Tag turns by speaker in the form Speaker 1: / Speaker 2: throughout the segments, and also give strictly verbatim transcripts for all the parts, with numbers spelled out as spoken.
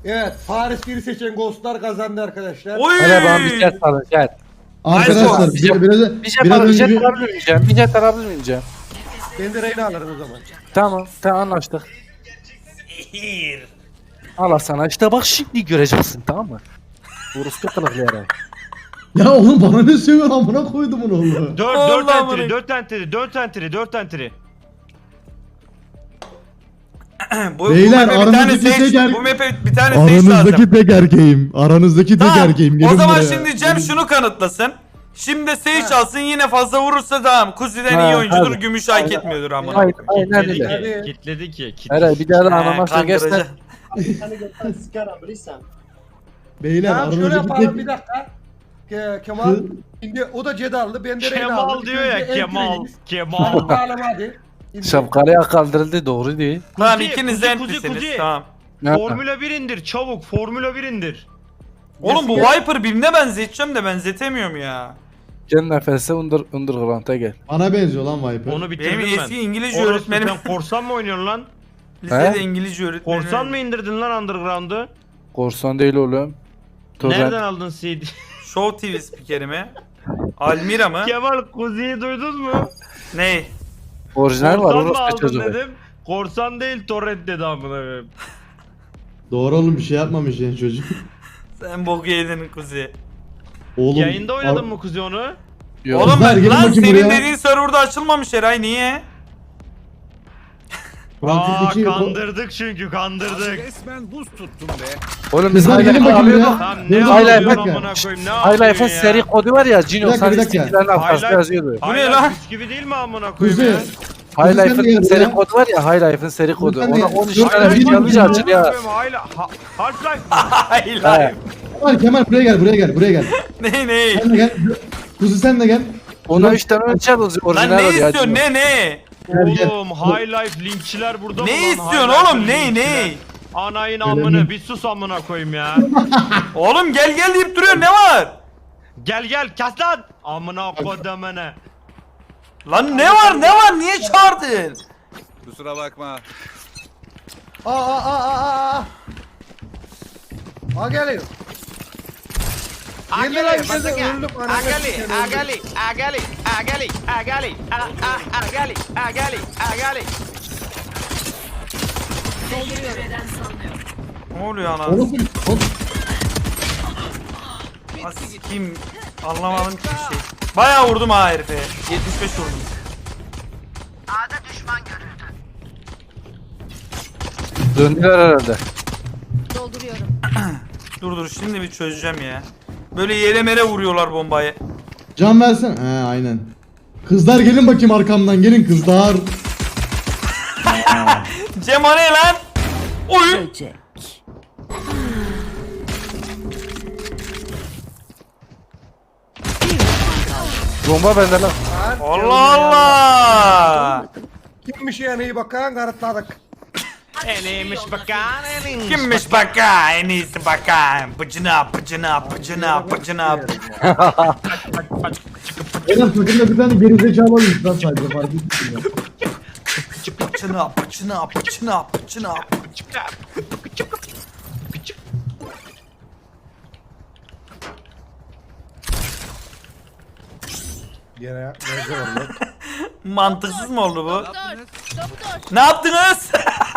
Speaker 1: Evet, Paris biri seçen Ghostlar kazandı arkadaşlar.
Speaker 2: Oy!
Speaker 3: Hele bana bir jet alın jet.
Speaker 4: Arkadaşlar
Speaker 3: Bir
Speaker 4: bir-
Speaker 3: jet,
Speaker 4: biraz
Speaker 3: bir jet
Speaker 4: biraz
Speaker 3: alın,
Speaker 4: önce
Speaker 3: jet
Speaker 4: bir
Speaker 3: alabilir miyim Cem? Bir jet alabilir miyim Cem?
Speaker 1: Ben de Reyna alırım o zaman.
Speaker 3: Tamam, tamam anlaştık. Allah sana işte bak şimdi göreceksin tamam mı? Orospu kılıklayarak.
Speaker 4: ya oğlum bana ne söylüyorsun amına koydum onu oğlum.
Speaker 2: Dört,
Speaker 5: Allah
Speaker 2: dört
Speaker 5: amına.
Speaker 2: entry, dört entry, dört entry, dört entry.
Speaker 5: bu,
Speaker 4: Beyler,
Speaker 5: bu map'e bir tane
Speaker 4: aranızdaki
Speaker 5: stage,
Speaker 4: tek er-
Speaker 5: bu map'e bir tane stage lazım.
Speaker 4: Aranızdaki tek erkeğim. Aranızdaki tek
Speaker 5: Tamam.
Speaker 4: erkeğim.
Speaker 5: O
Speaker 4: Gelin
Speaker 5: zaman
Speaker 4: buraya.
Speaker 5: şimdi Cem şunu kanıtlasın. Şimdi stage çalsın yine fazla vurursa tamam. Kuzi'den
Speaker 3: Ha,
Speaker 5: iyi oyuncudur,
Speaker 3: hadi.
Speaker 5: gümüş hak etmiyordur amına.
Speaker 3: Hayır,
Speaker 5: koyayım.
Speaker 3: aynen
Speaker 2: Kitledi
Speaker 3: öyle.
Speaker 2: ki, kitledi ki. kitledi.
Speaker 3: Hele bir daha da
Speaker 5: He,
Speaker 3: anlamakla gerçekten.
Speaker 5: kandırıcı.
Speaker 6: Hani gökten sigara bilirsen.
Speaker 4: Beyler
Speaker 1: Tamam şöyle
Speaker 4: aranızdaki
Speaker 1: yapalım bir
Speaker 4: tek...
Speaker 1: dakika. Ke Kemal, şimdi o da Cedallı, ben de Reyna
Speaker 2: Kemal
Speaker 1: aldım.
Speaker 2: diyor ya,
Speaker 1: İkimiz de
Speaker 2: Kemal,
Speaker 1: entry'yiz.
Speaker 2: Kemal.
Speaker 1: Tamam, bağlama hadi. İndir.
Speaker 3: Şapkalıya kaldırıldı doğru değil.
Speaker 5: Tamam
Speaker 2: Kuzi,
Speaker 5: ikiniz de
Speaker 2: Kuzi, Kuzi,
Speaker 5: entrisiniz
Speaker 2: Kuzi.
Speaker 5: tamam.
Speaker 3: Ne?
Speaker 2: Formula bir indir çabuk, Formula bir indir.
Speaker 5: Oğlum bu Viper birine benzeteceğim de benzetemiyorum ya.
Speaker 3: Gel nefese under, underground'a gel.
Speaker 4: Bana benziyor lan Viper.
Speaker 2: Onu bitirdim
Speaker 5: Benim
Speaker 2: ben.
Speaker 5: eski İngilizce
Speaker 2: Orası
Speaker 5: öğretmenim.
Speaker 2: sen korsan mı oynuyorsun lan?
Speaker 5: Lisede
Speaker 3: He?
Speaker 5: İngilizce öğretmenim.
Speaker 2: Korsan mı indirdin lan Underground'u?
Speaker 3: Korsan değil oğlum. Torrent.
Speaker 2: Nereden aldın C D?
Speaker 5: Show T V spikeri mi? Almira mı?
Speaker 2: Kemal Kuzi'yi duydun mu?
Speaker 5: Ne?
Speaker 3: Orijinal var
Speaker 2: Korsan mı
Speaker 3: orospu
Speaker 2: aldın
Speaker 3: çocuğu.
Speaker 2: dedim. Korsan değil torrent dedi amına koyayım.
Speaker 4: Doğru oğlum bir şey yapmamış yani çocuk.
Speaker 5: Sen boku yedin Kuzi.
Speaker 4: Oğlum.
Speaker 2: Yayında oynadın
Speaker 4: al-
Speaker 2: mı Kuzi onu?
Speaker 3: Yok.
Speaker 5: Oğlum
Speaker 4: Kızlar, gelin
Speaker 5: lan
Speaker 4: bakayım
Speaker 5: senin
Speaker 4: buraya.
Speaker 5: dediğin serverda açılmamış Eray niye?
Speaker 2: Aa
Speaker 4: Fransa'daki-
Speaker 2: kandırdık çünkü kandırdık.
Speaker 7: Resmen buz tuttum be.
Speaker 3: Oğlum biz
Speaker 4: Kızlar, gelin
Speaker 3: High
Speaker 4: bakayım
Speaker 3: Life'ı
Speaker 4: buraya.
Speaker 2: Tam
Speaker 4: Dur,
Speaker 2: ne
Speaker 4: dur,
Speaker 3: Hala
Speaker 2: yapıyorsun
Speaker 4: bir dakika.
Speaker 2: amına koyayım ne
Speaker 3: High
Speaker 2: yapıyorsun
Speaker 3: Life'ın
Speaker 2: ya?
Speaker 3: seri kodu var ya Cino
Speaker 4: Bir dakika, bir
Speaker 3: sana
Speaker 4: dakika.
Speaker 3: istiklarin arkasında
Speaker 2: Highlight-
Speaker 3: yazıyordu.
Speaker 5: Bu ne
Speaker 2: Highlight
Speaker 5: lan?
Speaker 2: bisküvi değil mi amına koyayım
Speaker 4: Kuzi.
Speaker 2: ya?
Speaker 3: High
Speaker 4: Kuzi sen de
Speaker 3: Life'ın
Speaker 4: gel
Speaker 3: seri
Speaker 4: buraya.
Speaker 3: kodu var ya High Life'ın seri kodu.
Speaker 4: sen de-
Speaker 3: Ona on üç
Speaker 4: Dur,
Speaker 3: tane
Speaker 4: Highlight
Speaker 3: video
Speaker 4: değil mi?
Speaker 3: alınca açılıyor.
Speaker 2: Highlight- Ha- Half-Life mi?
Speaker 5: Hayır
Speaker 3: He.
Speaker 5: hayır.
Speaker 4: Kemal Kemal buraya gel buraya gel buraya gel.
Speaker 5: Ne ne?
Speaker 4: Sen de gel. Kuzi sen de gel.
Speaker 3: Ona üç tane ölçer orijinal
Speaker 5: Lan
Speaker 3: var
Speaker 5: ne
Speaker 3: ya.
Speaker 5: istiyorsun
Speaker 3: Cino.
Speaker 5: ne ne?
Speaker 4: Gel, gel.
Speaker 2: Oğlum High Life linkçiler burada mı
Speaker 5: Ne
Speaker 2: lan?
Speaker 5: istiyorsun
Speaker 2: High Life
Speaker 5: oğlum ne
Speaker 2: linkçiler.
Speaker 5: ne?
Speaker 2: Anayın
Speaker 4: Öyle
Speaker 2: amını
Speaker 4: mi?
Speaker 2: bir sus amına koyayım ya.
Speaker 5: Oğlum gel gel deyip duruyor ne var?
Speaker 2: Gel gel kes lan. Amına kodamene.
Speaker 5: Lan ne var ne var niye çağırdın?
Speaker 7: Kusura bakma.
Speaker 1: Aa aa aa aa aa. Aa geliyor. Yemin ederim ben de öldüm. ananı sikeyim, öldüm.
Speaker 8: Agali, agali, agali, agali, a- a- agali, agali, agali.
Speaker 5: Ne oluyor ana?
Speaker 4: Oğlum, oğlum.
Speaker 5: Kim anlamadım ki bir şey. Bayağı vurdum ha herife. yetmiş beş vurdum.
Speaker 3: Döndüler herhalde.
Speaker 9: Dolduruyorum.
Speaker 5: Dur dur şimdi bir çözeceğim ya. Böyle yere mere vuruyorlar bombayı.
Speaker 4: Can versen. He aynen. Kızlar gelin bakayım arkamdan gelin kızlar.
Speaker 5: Cem o ne lan? Oy!
Speaker 9: Böcek.
Speaker 3: Bomba bende lan.
Speaker 5: Allah Allah!
Speaker 1: Kimmiş yani iyi bakan kanıtladık.
Speaker 2: Eneymiş bakan eneymiş.
Speaker 5: Kimmiş baka en iyisi baka. Bıcına bıcına bıcına bıcına.
Speaker 4: Beyler takımda bir tane gerizekalı olmuş lan sadece fark ettim ya.
Speaker 5: Bıcına bıcına bıcına bıcına.
Speaker 1: Gene ne var lan?
Speaker 5: Mantıksız mı oldu bu?
Speaker 9: Doktor. Doktor.
Speaker 5: Ne yaptınız?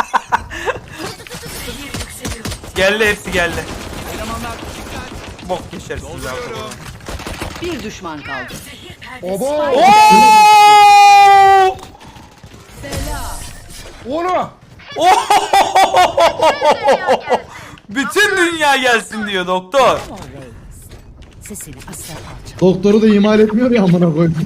Speaker 5: geldi hepsi geldi. Bok geçersiniz abi.
Speaker 9: Bir düşman kaldı.
Speaker 1: Obo!
Speaker 5: Oo!
Speaker 1: Onu!
Speaker 5: Bütün dünya gelsin diyor doktor.
Speaker 9: Sesini asla alçak.
Speaker 4: Doktoru da imal etmiyor ya amına koyayım.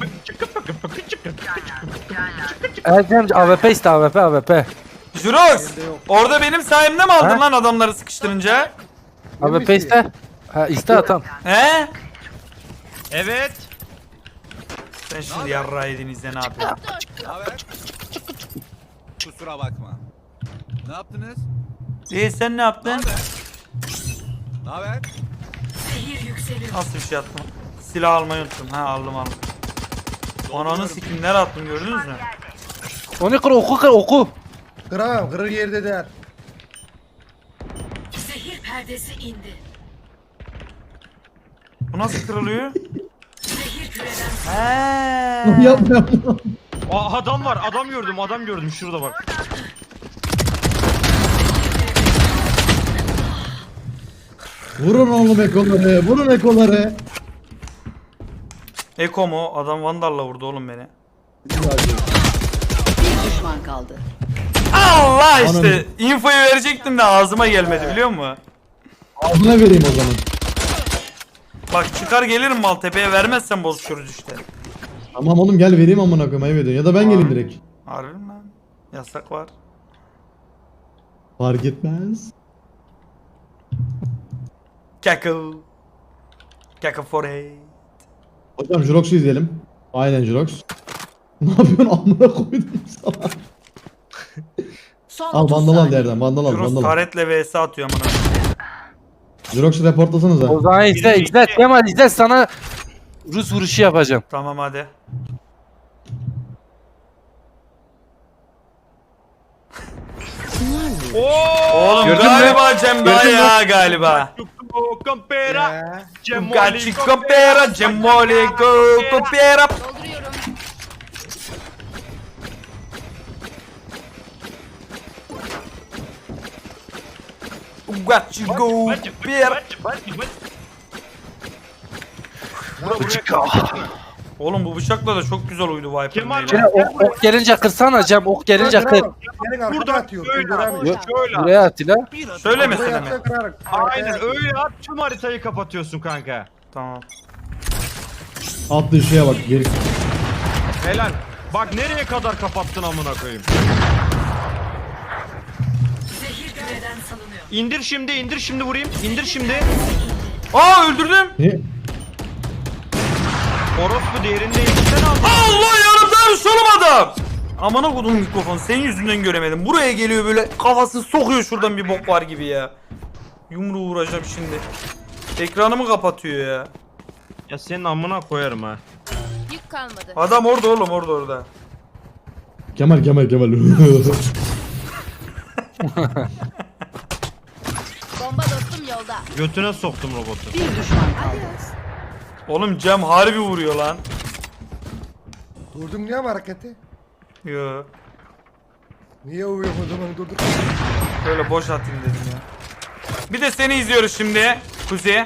Speaker 3: Ercem A W P iste A W P A W P.
Speaker 5: Jurox, orada benim sayemde mi aldın
Speaker 3: Ha?
Speaker 5: lan adamları sıkıştırınca?
Speaker 3: A W P iste. Ha iste atam.
Speaker 5: He?
Speaker 2: Evet.
Speaker 5: Sen şimdi yarra edinizde ne yapıyorsun?
Speaker 7: Ne haber? Kusura bakma. Ne yaptınız?
Speaker 5: İyi sen ne yaptın?
Speaker 7: Ne haber?
Speaker 5: Nasıl bir şey yaptım? Silah almayı unuttum. Ha aldım aldım. Ananı sikim nereye attım gördünüz mü?
Speaker 3: Onu kır oku kır oku.
Speaker 1: Kıramam, kırır yerde der.
Speaker 9: perdesi indi.
Speaker 5: Bu nasıl kırılıyor?
Speaker 9: Zehir küreden
Speaker 5: Heee.
Speaker 4: Yapma yapma.
Speaker 2: Aa, adam var adam gördüm adam gördüm şurada bak.
Speaker 4: Vurun oğlum ekoları. Vurun ekoları.
Speaker 5: Eko mu? Adam Vandal'la vurdu oğlum beni.
Speaker 9: bir düşman kaldı.
Speaker 5: Allah işte. Infoyu verecektim de ağzıma gelmedi biliyor musun?
Speaker 4: Ağzına vereyim o zaman.
Speaker 5: Bak çıkar gelirim Maltepe'ye vermezsen bozuşuruz işte.
Speaker 4: Tamam oğlum gel vereyim amına koyayım ayıp ediyorsun. Ya da ben geleyim direkt.
Speaker 5: Harbi mi lan? Yasak var.
Speaker 4: Fark etmez.
Speaker 5: Keko. Keko foray.
Speaker 4: Hocam Jurox'u izleyelim. Aynen Jurox. Ne yapıyorsun amına koydum sana.
Speaker 9: Son
Speaker 4: Al
Speaker 9: otuz
Speaker 4: vandal al
Speaker 9: saniye.
Speaker 4: yerden vandal al
Speaker 5: Juros
Speaker 4: vandal al.
Speaker 5: taretle vs atıyor amına.
Speaker 4: Jurox'u reportlasanıza.
Speaker 3: O zaman izle izle Kemal izle sana Rus vuruşu yapacağım.
Speaker 5: Tamam hadi. Oğlum
Speaker 3: Gördün mü?
Speaker 5: galiba Cem daha
Speaker 3: Gördün mü?
Speaker 5: ya galiba.
Speaker 2: Compera.
Speaker 5: Gachi compera, Cemoli go compera.
Speaker 9: Dolduruyorum.
Speaker 5: Gachi go compera. Oğlum bu bıçakla da çok güzel uydu Viper'ın
Speaker 2: Kemal
Speaker 5: eli.
Speaker 3: Şöyle ok, ok gelince kırsana Cem ok gelince kır.
Speaker 1: Gelin arkada
Speaker 2: Buradan
Speaker 1: atıyor.
Speaker 2: böyle
Speaker 1: Öldüremiyor.
Speaker 2: at. Şöyle at.
Speaker 3: Buraya at ila.
Speaker 5: Söyle
Speaker 1: Buraya
Speaker 5: mesela mi?
Speaker 1: atıyor, kırarak.
Speaker 2: Aynen öyle at tüm haritayı kapatıyorsun kanka.
Speaker 5: Tamam.
Speaker 4: Attığı şeye bak geri.
Speaker 2: Helal. Bak nereye kadar kapattın amına koyayım.
Speaker 9: Zehir küreden salınıyor.
Speaker 2: İndir şimdi indir şimdi vurayım. İndir şimdi.
Speaker 5: Aa öldürdüm.
Speaker 4: Ne?
Speaker 2: Orospu değerinde yetişten aldın.
Speaker 5: Allah yanımda solum adam. Amına kodum mikrofon senin yüzünden göremedim. Buraya geliyor böyle kafasını sokuyor şuradan bir bok var gibi ya. Yumruğu vuracağım şimdi. Ekranımı kapatıyor ya.
Speaker 2: Ya senin amına koyarım ha.
Speaker 9: Yük kalmadı.
Speaker 5: Adam orada oğlum orada orada.
Speaker 4: Kemal Kemal Kemal.
Speaker 9: Bomba dostum yolda.
Speaker 2: Götüne soktum robotu.
Speaker 9: Bir düşman kaldı.
Speaker 5: Oğlum Cem harbi vuruyor lan.
Speaker 1: Durdun niye mi hareketi?
Speaker 5: Yo.
Speaker 1: Niye uyuyor o zaman durduk?
Speaker 5: Böyle boş atayım dedim ya. Bir de seni izliyoruz şimdi. Kuzi.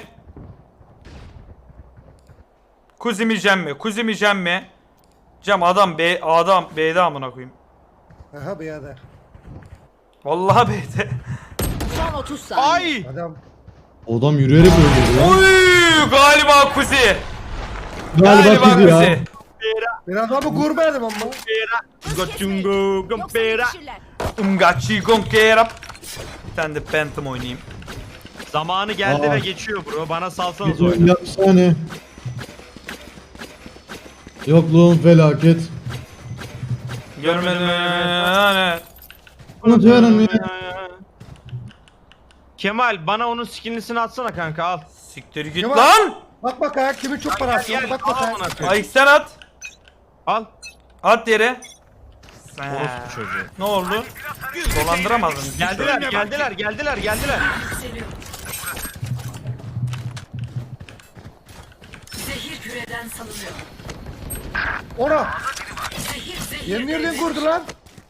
Speaker 5: Kuzi mi Cem mi? Kuzi mi Cem mi? Cem adam B adam B'de amına koyayım.
Speaker 1: Aha beyada.
Speaker 5: Vallahi B'de.
Speaker 9: Son otuz saniye.
Speaker 2: Ay!
Speaker 1: Adam.
Speaker 4: Adam yürüyerek öldürdü ya.
Speaker 5: Oy galiba Kuzi.
Speaker 4: Galiba kızı ya.
Speaker 1: Ben adamı görmedim ama.
Speaker 2: Gotungo gompera.
Speaker 5: Umgachi Gonkera. Bir tane de Phantom oynayayım.
Speaker 2: Zamanı geldi
Speaker 4: Aa.
Speaker 2: ve geçiyor bro. Bana salsanız oyunu.
Speaker 4: Yapsane. Yokluğun felaket.
Speaker 5: Görmedim. Hani.
Speaker 4: Unutuyorum ya.
Speaker 2: Kemal bana onun skinlisini atsana kanka al.
Speaker 5: Siktir git
Speaker 1: Kemal.
Speaker 5: lan.
Speaker 1: Bak bak ha kimin çok parası
Speaker 2: Gel
Speaker 1: var bak
Speaker 2: al
Speaker 1: bak ha.
Speaker 2: amına koyayım.
Speaker 5: Ay sen at.
Speaker 2: Al.
Speaker 5: At yere.
Speaker 2: Orospu çocuğu.
Speaker 5: Ne oldu? Dolandıramadın.
Speaker 2: Geldiler geldiler geldiler geldiler.
Speaker 9: Yükseliyor. Zehir küreden salınıyor.
Speaker 1: Ona.
Speaker 9: Zehir zehir.
Speaker 1: Yeni yerden kurdu lan.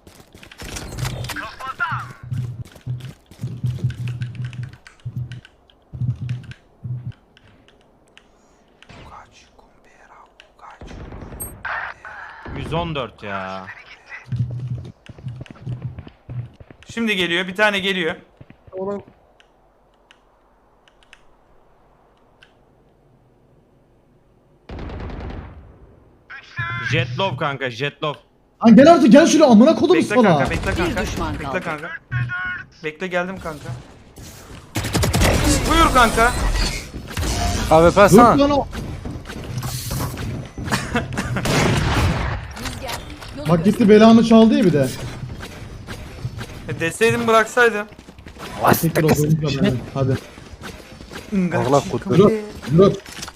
Speaker 2: yüz on dört ya.
Speaker 5: Şimdi geliyor. Bir tane geliyor.
Speaker 1: Onun
Speaker 2: Jetlov kanka Jetlov.
Speaker 4: Lan gel artık gel şuraya amına kodum
Speaker 5: Bekle
Speaker 4: sana.
Speaker 5: kanka, bekle
Speaker 9: Bir
Speaker 5: kanka.
Speaker 9: düşman
Speaker 5: Bekle
Speaker 9: kaldı.
Speaker 5: kanka. Bekle geldim kanka. Buyur kanka.
Speaker 3: A W P
Speaker 4: Dur
Speaker 3: sana.
Speaker 4: lan o.
Speaker 9: Yolu
Speaker 4: Bak gitti belamı çaldı ya bir de.
Speaker 5: E deseydim bıraksaydım.
Speaker 4: Tekrar oturmuş lan. Hadi.
Speaker 3: Allah kurtar.
Speaker 4: Jurox. Jurox.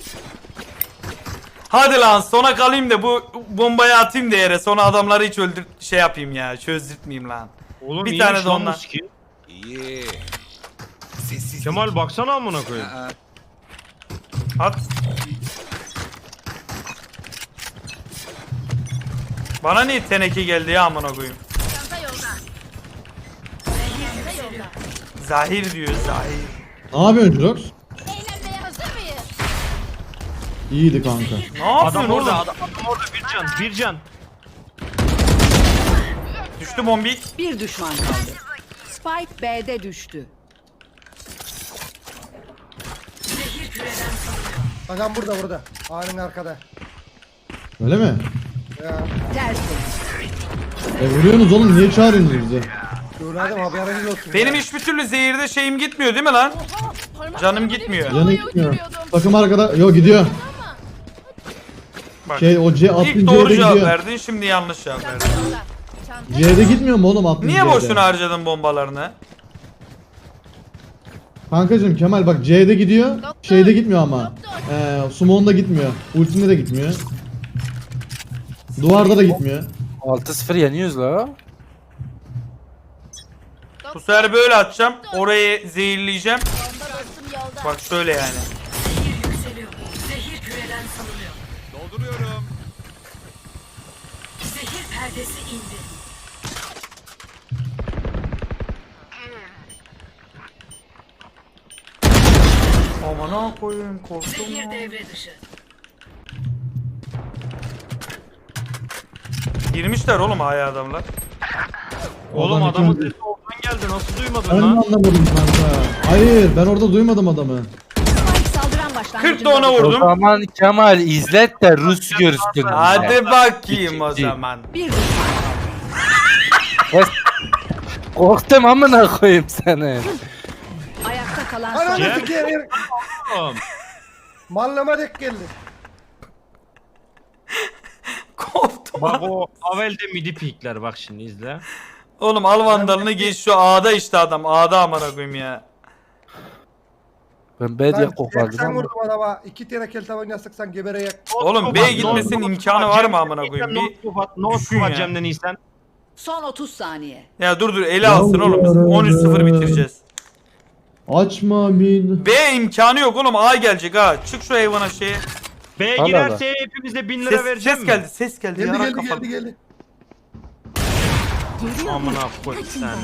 Speaker 5: Hadi lan sona kalayım da bu bombayı atayım da yere. Sonra adamları hiç öldür şey yapayım ya. Çözdürtmeyeyim lan.
Speaker 2: Oğlum
Speaker 5: Bir
Speaker 2: iyiymiş
Speaker 5: tane de
Speaker 2: lan bu
Speaker 5: ondan.
Speaker 2: skin.
Speaker 7: İyi. Sessiz
Speaker 2: Kemal baksana amına koyayım.
Speaker 7: Aa,
Speaker 5: At. Bana niye teneke geldi ya amına koyayım? Zahir diyor Zahir.
Speaker 4: Ne yapıyorsun Jurox?
Speaker 9: Eğlenmeye hazır mıyız?
Speaker 4: İyiydi kanka.
Speaker 5: Ne yapıyorsun
Speaker 2: Adam
Speaker 5: oğlum?
Speaker 2: orada, adam, adam orada bir can, bir can.
Speaker 5: Düştü bombik.
Speaker 6: Bir düşman kaldı. Spike B'de düştü.
Speaker 1: Adam burada burada. Ağanın arkada.
Speaker 4: Öyle mi?
Speaker 1: Ya.
Speaker 6: Tertemiz.
Speaker 4: E vuruyorsunuz oğlum, niye çağırıyorsunuz bizi?
Speaker 1: Söyledim haberiniz olsun.
Speaker 5: Benim
Speaker 1: ya.
Speaker 5: hiçbir türlü zehirde şeyim gitmiyor değil mi lan? Canım gitmiyor.
Speaker 4: Canı gitmiyor. Takım arkada, yo gidiyor.
Speaker 5: Bak.
Speaker 4: Şey o C attığın
Speaker 5: İlk doğru
Speaker 4: C'de
Speaker 5: cevap
Speaker 4: gidiyor.
Speaker 5: verdin, şimdi yanlış cevap verdin.
Speaker 4: C'de gitmiyor mu oğlum attığın
Speaker 5: Niye
Speaker 4: C'de?
Speaker 5: boşuna harcadın bombalarını?
Speaker 4: Kankacım Kemal bak C'de gidiyor. Şeyde gitmiyor ama. Eee Sumon'da gitmiyor. Ultimde de gitmiyor. Duvarda da gitmiyor.
Speaker 3: altı sıfır yeniyoruz la.
Speaker 5: Bu sefer böyle atacağım. Orayı zehirleyeceğim.
Speaker 9: Yolda dostum yolda.
Speaker 5: Bak şöyle yani.
Speaker 9: Yükseliyor. Zehir küreden salınıyor.
Speaker 7: dolduruyorum.
Speaker 9: Zehir perdesi indi.
Speaker 5: Aman ha koyayım, korktum
Speaker 9: Zehir
Speaker 5: ya.
Speaker 9: devre dışı.
Speaker 5: Girmişler oğlum aya adamlar.
Speaker 2: Oğlum
Speaker 4: Adam
Speaker 2: adamın
Speaker 4: iki-
Speaker 2: sesi oradan geldi, nasıl duymadın
Speaker 4: Ben de
Speaker 2: lan?
Speaker 4: anlamadım kanka. Hayır ben orada duymadım adamı.
Speaker 6: Spike saldıran başlangıcında.
Speaker 5: kırk da ona
Speaker 3: O
Speaker 5: vurdum.
Speaker 3: zaman Kemal izlet de Rus görsün.
Speaker 5: Hadi bakayım o zaman.
Speaker 6: Bir düşman.
Speaker 3: Korktum amına koyayım seni.
Speaker 6: Ayakta kalan son.
Speaker 1: Ananı
Speaker 2: Cem.
Speaker 1: sikeyim.
Speaker 2: Oğlum,
Speaker 1: Mallama dek geldi.
Speaker 5: Koptum.
Speaker 2: bak o Avel'de midi pikler, bak şimdi izle.
Speaker 5: Oğlum al vandalını geç, şu A'da işte adam. A'da amına koyayım ya.
Speaker 3: Ben B diye
Speaker 1: Ben
Speaker 3: kopardım
Speaker 1: seksen
Speaker 3: ama.
Speaker 1: vurdum adama. İki tane kel tabanca sıksan gebereyek.
Speaker 5: Oğlum B'ye gitmesinin imkanı var mı amına koyayım? Bir
Speaker 2: No
Speaker 5: düşün
Speaker 2: scope
Speaker 5: ya.
Speaker 2: Cem'den iyisen.
Speaker 6: Son otuz saniye.
Speaker 5: Ya dur dur eli alsın oğlum. Biz on üç sıfır bitireceğiz.
Speaker 4: Açma min.
Speaker 5: B imkanı yok oğlum. A gelecek ha. Çık şu hayvana şeye.
Speaker 2: B'ye
Speaker 3: Allah
Speaker 2: girerse hepimize bin lira
Speaker 5: Ses,
Speaker 2: vereceğim
Speaker 5: ses
Speaker 2: mi?
Speaker 5: geldi. Ses geldi.
Speaker 1: Geldi
Speaker 5: Yarak
Speaker 1: geldi
Speaker 5: kafalı.
Speaker 1: geldi geldi.
Speaker 2: Amına koy bir tane.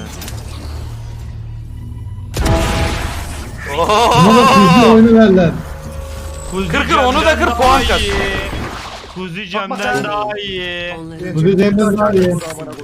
Speaker 4: Buna da hızlı oyunu verler.
Speaker 2: Kuzi
Speaker 5: Kır kır, onu da
Speaker 2: Cem'den
Speaker 5: kır,
Speaker 2: daha
Speaker 5: puan kat.
Speaker 2: iyi. Kuzi Cem'den daha iyi.
Speaker 6: Onları
Speaker 4: Bu bir Cem'den daha iyi.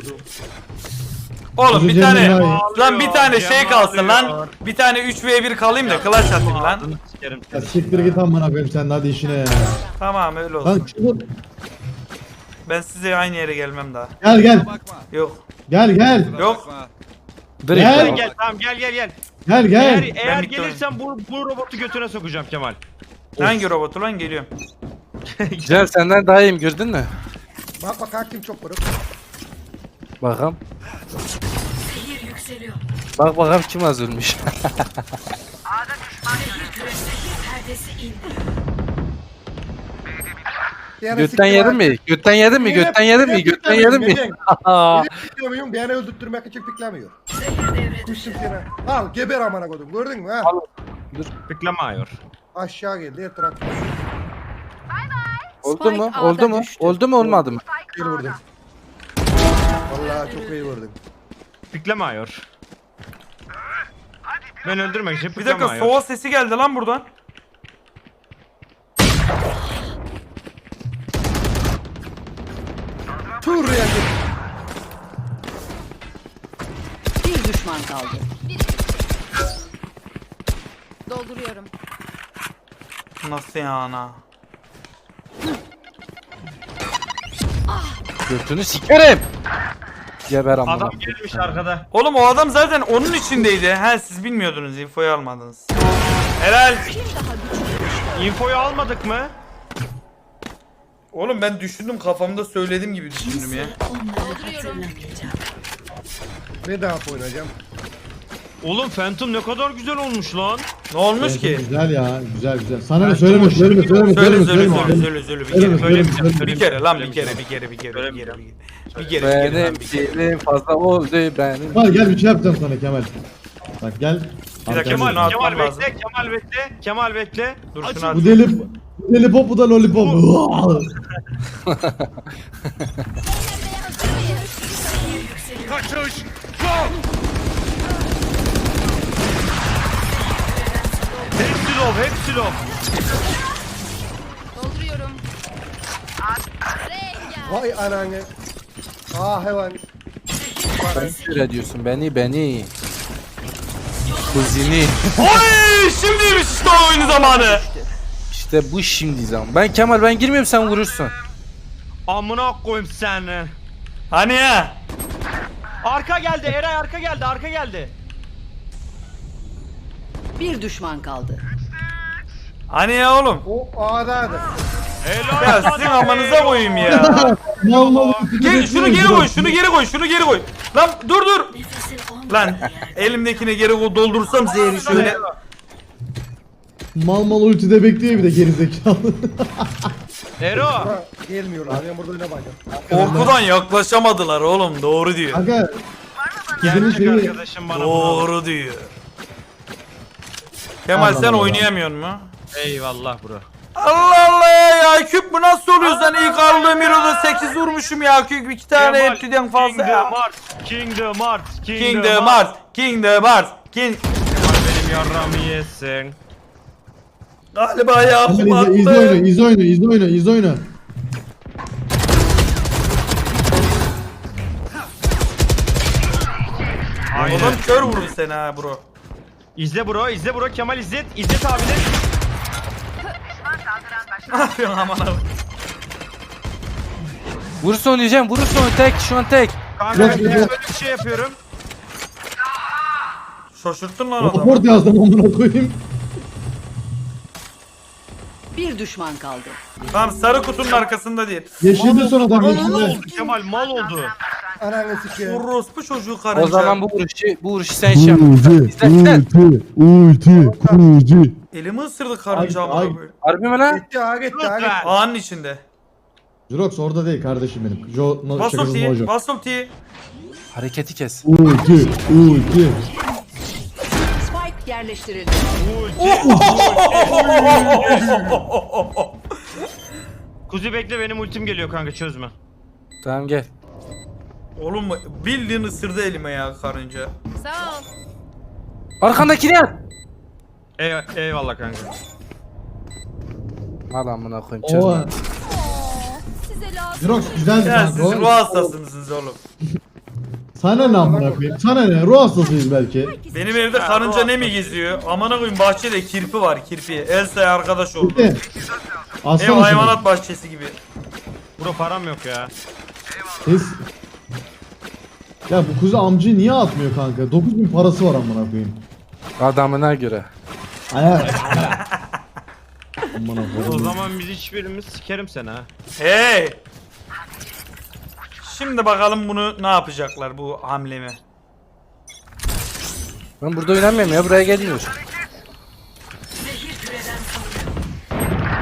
Speaker 5: Oğlum bir
Speaker 4: Kuzi
Speaker 5: tane
Speaker 4: Cem'den daha
Speaker 2: iyi.
Speaker 5: lan bir tane şey
Speaker 2: Cem
Speaker 5: kalsın lan.
Speaker 2: ağlıyor.
Speaker 5: Bir tane üç ve bir kalayım da clutch atayım lan.
Speaker 2: Ağzını sikerim
Speaker 4: Ya
Speaker 2: seni.
Speaker 4: siktir git amına koyayım sen de hadi işine ya.
Speaker 5: Tamam öyle
Speaker 4: Lan
Speaker 5: olsun.
Speaker 4: çabuk.
Speaker 5: Ben size aynı yere gelmem daha.
Speaker 4: Gel gel.
Speaker 7: Bakma.
Speaker 5: Yok.
Speaker 4: Gel gel.
Speaker 7: Kusura
Speaker 5: Yok.
Speaker 7: bakma.
Speaker 3: Direkt
Speaker 4: Gel.
Speaker 2: Gel gel tamam gel gel gel.
Speaker 4: Gel
Speaker 2: Eğer,
Speaker 4: gel.
Speaker 2: eğer
Speaker 5: bitti
Speaker 2: gelirsen bu, bu robotu götüne sokacağım Kemal.
Speaker 5: Hangi robotu lan geliyorum.
Speaker 3: Cem senden daha iyiyim gördün mü?
Speaker 1: Bak bak hakim çok vurur.
Speaker 3: Bakalım.
Speaker 9: Zehir yükseliyor.
Speaker 3: Bak bakalım kim az ölmüş.
Speaker 9: Zehir küre zehir perdesi indi.
Speaker 1: Yani
Speaker 3: Götten
Speaker 1: siktir
Speaker 3: yedin
Speaker 1: ha.
Speaker 3: mi? Götten yedin mi?
Speaker 1: Yine-
Speaker 3: Götten yedin mi?
Speaker 1: yine
Speaker 3: Götten
Speaker 1: piklemiyor,
Speaker 3: yedin mi?
Speaker 1: neden? Yine piklemiyorum, beni öldürtmek için piklemiyor.
Speaker 9: Zehir devre dışı.
Speaker 1: Kuşum seni. Al geber amına koydum gördün mü ha?
Speaker 2: Beklemiyor.
Speaker 1: Aşağı geldi her taraf.
Speaker 3: Oldu mu?
Speaker 6: Spike
Speaker 3: Oldu
Speaker 6: A'da
Speaker 3: mu?
Speaker 6: düştü.
Speaker 3: Oldu mu olmadı mı?
Speaker 1: Bir vurdum. Vallahi çok iyi vurdum.
Speaker 2: Beklemiyor. Ben öldürmek için
Speaker 5: Bir dakika
Speaker 2: beklemiyor.
Speaker 5: soğuk sesi geldi lan buradan.
Speaker 1: Tur ya.
Speaker 6: Bir düşman kaldı.
Speaker 9: Dolduruyorum.
Speaker 5: Nasıl ya ana?
Speaker 3: Götünü sikerim. Geber amına.
Speaker 2: Adam gelmiş arkada.
Speaker 5: Oğlum o adam zaten onun içindeydi. He siz bilmiyordunuz, infoyu almadınız. Helal.
Speaker 2: Infoyu almadık mı?
Speaker 5: Oğlum ben düşündüm, kafamda söylediğim gibi düşündüm ya.
Speaker 1: Ne daha oynayacağım?
Speaker 2: Oğlum Phantom ne kadar güzel olmuş lan.
Speaker 5: Ne olmuş
Speaker 4: Evet,
Speaker 5: ki?
Speaker 4: Güzel ya. Güzel güzel. Sana ne
Speaker 2: Ben
Speaker 4: söyleme
Speaker 2: çok
Speaker 4: söyleme
Speaker 2: hoşuma
Speaker 4: söyleme
Speaker 5: Söyle
Speaker 4: söyleme
Speaker 5: söyle
Speaker 4: söyleme.
Speaker 5: söyle söyle söyle bir
Speaker 4: Söyleme,
Speaker 5: kere.
Speaker 4: söyleme,
Speaker 5: Söyle
Speaker 4: söyleme.
Speaker 5: bir kere lan bir kere
Speaker 2: Söylemeyeceğim.
Speaker 5: bir kere bir kere bir kere bir kere bir kere bir kere
Speaker 3: Benim
Speaker 5: lan bir kere.
Speaker 3: dilim fazla oldu benim.
Speaker 4: Var gel bir şey yapacağım sana Kemal. Bak gel.
Speaker 5: Bir dakika
Speaker 4: Kemal,
Speaker 5: şunu
Speaker 2: Kemal
Speaker 5: atmam lazım.
Speaker 2: bekle, Kemal bekle, Kemal bekle.
Speaker 5: Dur
Speaker 2: Aç.
Speaker 5: şunu
Speaker 4: Bu
Speaker 5: at.
Speaker 4: deli, bu deli pop bu da lollipop.
Speaker 2: Kaçış. Go. Hepsi low, hepsi low.
Speaker 9: Dolduruyorum.
Speaker 1: Vay ananı. Ah hayvan.
Speaker 3: Ben öyle diyorsun beni beni. Kuzini.
Speaker 5: Oy şimdiymiş işte o oyunu zamanı.
Speaker 3: İşte bu şimdi zaman. Ben Kemal ben girmiyorum sen vurursun.
Speaker 2: Amına koyayım seni.
Speaker 5: Hani ya?
Speaker 2: Arka geldi, Eray arka geldi, arka geldi.
Speaker 6: Bir düşman kaldı.
Speaker 5: Hani ya oğlum?
Speaker 1: O A'daydı.
Speaker 2: Helal
Speaker 5: Ya
Speaker 2: sana
Speaker 5: sizin
Speaker 2: be.
Speaker 5: amanıza koyayım ya.
Speaker 4: Vallahi
Speaker 5: Gel şunu geri koy, şunu geri koy, şunu geri koy. Lan dur dur.
Speaker 9: Nefesin olmadı.
Speaker 5: Lan elimdekine geri koy doldursam zehri şöyle.
Speaker 4: Mal mal ultide bekliyor bir de gerizekalı.
Speaker 2: Ero.
Speaker 1: Ha, gelmiyorlar. Ben burada oynamacağım.
Speaker 5: Korkudan yaklaşamadılar oğlum doğru diyor.
Speaker 4: Kanka Kızının
Speaker 2: Gerçek
Speaker 4: şeyi
Speaker 2: arkadaşım bana bunu.
Speaker 5: Doğru diyor. Kemal
Speaker 4: Allah
Speaker 5: sen
Speaker 4: Allah.
Speaker 5: oynayamıyor mu?
Speaker 2: Eyvallah bro.
Speaker 5: Allah Allah ya küp bu nasıl oluyor sen ilk aldığım Hero'da sekiz vurmuşum ya küp iki tane
Speaker 2: Kemal,
Speaker 5: hepsiden fazla
Speaker 2: Kingdom
Speaker 5: ya.
Speaker 2: Hearts, Kingdom Hearts,
Speaker 5: King the Mars, King the Mars, King...
Speaker 2: Kemal benim yarramı yesin.
Speaker 5: Galiba ya
Speaker 4: Kemal izle, izle oyunu, izle oyunu, izle oyunu, izle oyunu.
Speaker 2: Aynen.
Speaker 5: Adam kör vurdu seni ha bro.
Speaker 2: İzle bro, izle bro. Kemal izlet. İzzet abine.
Speaker 5: Ne yapıyorsun aman abi?
Speaker 3: Vurursun oynayacağım vurursun tek şu an tek.
Speaker 2: Kanka
Speaker 4: Yok,
Speaker 2: ben
Speaker 4: yok.
Speaker 2: böyle bir şey yapıyorum.
Speaker 5: Şaşırttın lan adamı.
Speaker 4: Raport yazdım amına koyayım.
Speaker 6: Bir düşman kaldı.
Speaker 5: Tamam sarı kutunun arkasında değil.
Speaker 4: Yeşilde son adam
Speaker 2: Mal
Speaker 4: yeşilde.
Speaker 2: oldu Kemal, mal oldu.
Speaker 1: Ananı sikeyim.
Speaker 5: Orospu çocuğu karınca.
Speaker 3: O zaman bu vuruşu bu vuruşu sen şey yap. İzle izle.
Speaker 4: ulti, ulti, kurucu.
Speaker 5: Elimi ısırdı karınca
Speaker 4: Ay,
Speaker 5: ama
Speaker 4: ay.
Speaker 5: böyle.
Speaker 3: Harbi mi lan?
Speaker 1: Gitti ha gitti ha gitti.
Speaker 2: Lütfen.
Speaker 5: Ağanın içinde.
Speaker 4: Jirox orada değil kardeşim benim. Jo, no,
Speaker 5: Bas
Speaker 4: şakasız
Speaker 5: ultiyi,
Speaker 4: mojo.
Speaker 5: bas ultiyi.
Speaker 3: Hareketi kes.
Speaker 4: Ulti, ulti.
Speaker 6: Spike yerleştirildi.
Speaker 2: Kuzi bekle, benim ultim geliyor kanka, çözme.
Speaker 3: Tamam gel.
Speaker 5: Oğlum bildiğin ısırdı elime ya karınca.
Speaker 9: Sağ ol.
Speaker 3: Arkandakini at.
Speaker 2: Ey eyvallah kanka.
Speaker 3: Al amına koyayım
Speaker 4: O.
Speaker 3: çözme.
Speaker 9: Size lazım.
Speaker 4: Jirox güzel
Speaker 5: Ya
Speaker 4: kanka.
Speaker 5: siz
Speaker 4: o.
Speaker 5: ruh hastası mısınız oğlum?
Speaker 4: Sana ne amına koyayım? Sana ne? Ruh hastasıyız belki.
Speaker 5: Benim evde karınca ne mi geziyor? Amına koyayım bahçede kirpi var kirpi. Elsa'ya arkadaş oldu.
Speaker 4: Bitti.
Speaker 5: Ev
Speaker 4: Aslan
Speaker 5: hayvanat bahçesi gibi.
Speaker 2: Bro param yok ya.
Speaker 4: Siz... Ya bu kuzu amcayı niye atmıyor kanka? dokuz bin parası var amına koyayım.
Speaker 3: Adamına göre.
Speaker 4: Ayar. Amına
Speaker 2: O
Speaker 4: koyayım.
Speaker 2: zaman biz hiçbirimiz sikerim seni ha.
Speaker 5: Hey! Şimdi bakalım bunu ne yapacaklar bu hamlemi.
Speaker 3: Ben burada oynamıyorum ya buraya gelmiyor.
Speaker 9: Zehir küreden salınıyor.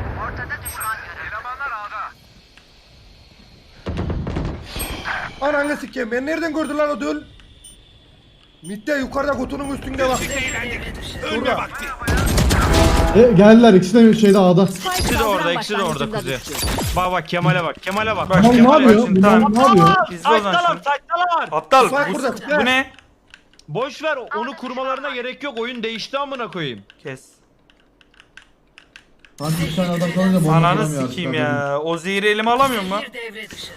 Speaker 1: Ananı sikeyim. Ben nereden gördün lan o döl? Mitte yukarıda kutunun üstünde bak.
Speaker 9: Devre dışı.
Speaker 1: Burada.
Speaker 4: E, geldiler ikisi de şeyde A'da.
Speaker 6: Spike
Speaker 2: İkisi de
Speaker 6: saldıran
Speaker 2: orada, ikisi de orada
Speaker 6: başlangıcında
Speaker 2: Kuzi.
Speaker 6: düştü.
Speaker 2: Bak bak Kemal'e bak, Kemal'e bak.
Speaker 5: Bak,
Speaker 4: Bunlar ne
Speaker 5: Kemal
Speaker 4: yapıyor?
Speaker 5: Başın
Speaker 4: Bunlar
Speaker 5: tam-
Speaker 4: ne yapıyor?
Speaker 5: İzle o zaman
Speaker 2: Saytalar,
Speaker 5: şunu.
Speaker 2: saytalar.
Speaker 5: Aptal
Speaker 1: Bak
Speaker 5: bu,
Speaker 1: burada.
Speaker 5: bu ne?
Speaker 2: Boş ver, onu kurmalarına gerek yok. Oyun değişti amına koyayım.
Speaker 5: Kes.
Speaker 4: Kanka bir tane adam kalınca bomba
Speaker 5: Ananı
Speaker 4: kuramıyor
Speaker 5: sikeyim
Speaker 4: artık,
Speaker 5: ya. O zehri elime alamıyor mu?
Speaker 9: Bir devre dışı.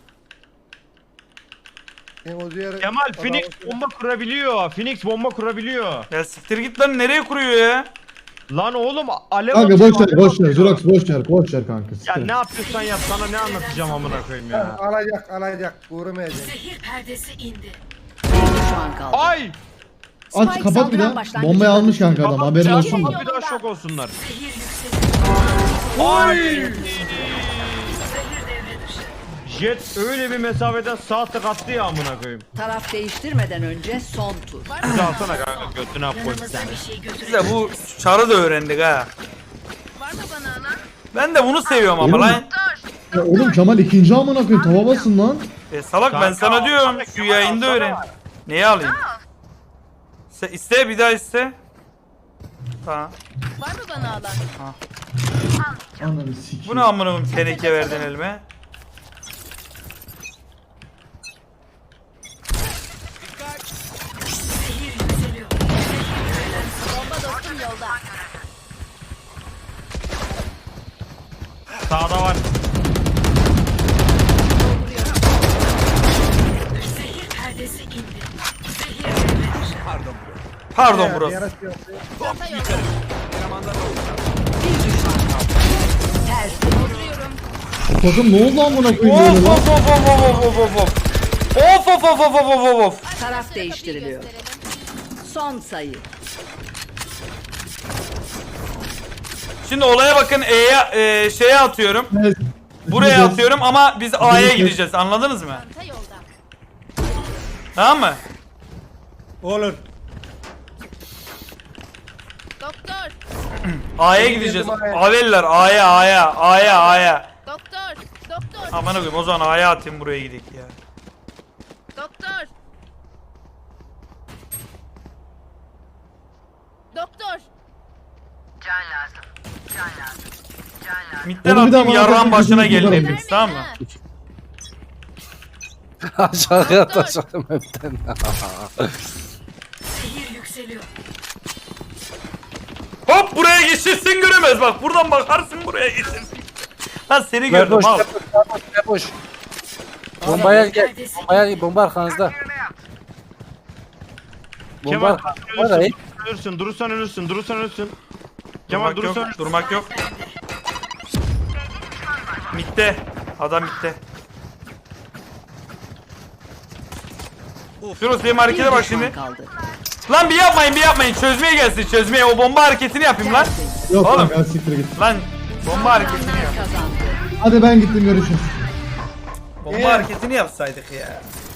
Speaker 1: Ben o diğer-
Speaker 2: Kemal,
Speaker 1: Adam-
Speaker 2: Phoenix bomba kurabiliyor. Phoenix bomba kurabiliyor.
Speaker 5: Ya siktir git lan nereye kuruyor ya?
Speaker 2: Lan oğlum alev
Speaker 4: Kanka
Speaker 2: atıyor,
Speaker 4: boş ver
Speaker 2: alev
Speaker 4: boş ver
Speaker 2: atıyor.
Speaker 4: Jirox boş ver boş ver kanka.
Speaker 2: Ya
Speaker 4: siktir.
Speaker 2: ne yapıyorsan yap, sana ne anlatacağım amına koyayım ya.
Speaker 1: Alacak alacak. Vuramayacak.
Speaker 9: Zehir perdesi indi.
Speaker 6: Bir düşman kaldı.
Speaker 2: Ay!
Speaker 4: Aç
Speaker 6: Spike
Speaker 4: kapat bir
Speaker 6: saldıran
Speaker 4: daha.
Speaker 6: başlangıcında
Speaker 4: Bombayı almış kanka adam
Speaker 2: Tamam,
Speaker 4: haberin
Speaker 2: ya,
Speaker 4: olsun.
Speaker 2: kapat, bir daha şok olsunlar.
Speaker 9: Zehir yükseliyor.
Speaker 2: Ay!
Speaker 9: Zehir devre dışı.
Speaker 2: Jet öyle bir mesafeden sağ tık attı ya amına koyayım.
Speaker 6: Taraf değiştirmeden önce son tur.
Speaker 2: Bizi alsana kanka, götüne koy
Speaker 9: Yanımızda
Speaker 2: seni.
Speaker 9: bir şey
Speaker 5: Biz
Speaker 9: götürelim.
Speaker 5: de bu çarı da öğrendik ha.
Speaker 9: Var mı bana alan?
Speaker 5: Ben de bunu seviyorum ama
Speaker 4: Oğlum.
Speaker 5: lan.
Speaker 4: Ya oğlum Kemal ikinci amına koyayım tava basın lan.
Speaker 5: E salak ben
Speaker 2: Kanka,
Speaker 5: sana diyorum
Speaker 2: alsana,
Speaker 5: şu
Speaker 2: Kemal,
Speaker 5: yayında
Speaker 2: alsana.
Speaker 5: öğren. Neyi alayım? Sen iste bir daha iste. Tamam.
Speaker 9: Var mı bana alan?
Speaker 4: Ananı sikeyim.
Speaker 5: Bu ne amına koyayım teneke verdin elime.
Speaker 9: Zehir yükseliyor. Bomba dostum yolda.
Speaker 2: Sağda var.
Speaker 9: Zehir perdesi indi. Zehir devre
Speaker 7: Pardon.
Speaker 5: Pardon
Speaker 1: Bir
Speaker 5: burası.
Speaker 1: ara şey yaptı.
Speaker 6: Bir düşman kaldı. Ters.
Speaker 4: Bu takım ne oldu amına koyayım
Speaker 5: Of
Speaker 4: böyle lan?
Speaker 5: of of of of of of of. Of of of of of of of.
Speaker 6: Taraf değiştiriliyor. Son sayı.
Speaker 5: Şimdi olaya bakın E'ye e, şeye atıyorum.
Speaker 4: Evet.
Speaker 5: Buraya
Speaker 4: Gideceğiz.
Speaker 5: atıyorum ama biz A'ya
Speaker 4: Gideceğiz.
Speaker 5: gideceğiz. Anladınız mı?
Speaker 9: çanta yolda.
Speaker 5: Tamam mı?
Speaker 1: Olur.
Speaker 9: Doktor.
Speaker 5: A'ya
Speaker 1: Benim
Speaker 5: gideceğiz.
Speaker 1: yerim A'ya.
Speaker 5: Aveller A'ya A'ya A'ya A'ya.
Speaker 9: Doktor. Doktor.
Speaker 5: Aman koyayım o zaman A'ya atayım buraya gidelim ya.
Speaker 9: Doktor. Doktor.
Speaker 5: Midden
Speaker 4: Oğlum bir daha
Speaker 5: atayım
Speaker 4: bana
Speaker 5: yarrağın
Speaker 4: bakın,
Speaker 5: başına
Speaker 4: gözünü
Speaker 5: gelin
Speaker 4: kırarım.
Speaker 5: hepimiz tamam mı?
Speaker 3: Aşağıya atacağım hepten.
Speaker 9: Zehir yükseliyor.
Speaker 5: Hop buraya geçirsin göremez bak buradan bakarsın buraya geçirsin. Lan seni gördüm
Speaker 3: Boş,
Speaker 5: al.
Speaker 3: boş, boş. Bombaya gel. Bombaya bomba arkanızda. Bomba
Speaker 2: Kemal
Speaker 3: arkanızda.
Speaker 2: ölürsün. Ölürsün. Durursan ölürsün. Durursan ölürsün. Kemal
Speaker 5: Durmak yok,
Speaker 2: durursan
Speaker 5: durmak yok. Mitte. Adam mitte. Firoz benim
Speaker 6: Bir
Speaker 5: harekete bak
Speaker 6: düşman
Speaker 5: şimdi.
Speaker 6: kaldı.
Speaker 5: Lan bir yapmayın bir yapmayın çözmeye gelsin çözmeye o bomba hareketini yapayım lan.
Speaker 6: Tertemiz.
Speaker 4: Yok
Speaker 5: Oğlum.
Speaker 4: kanka siktir git.
Speaker 5: Lan bomba hareketini
Speaker 6: Kazananlar
Speaker 5: yap.
Speaker 6: kazandı.
Speaker 4: Hadi ben gittim görüşürüz.
Speaker 5: Bomba hareketini yapsaydık ya.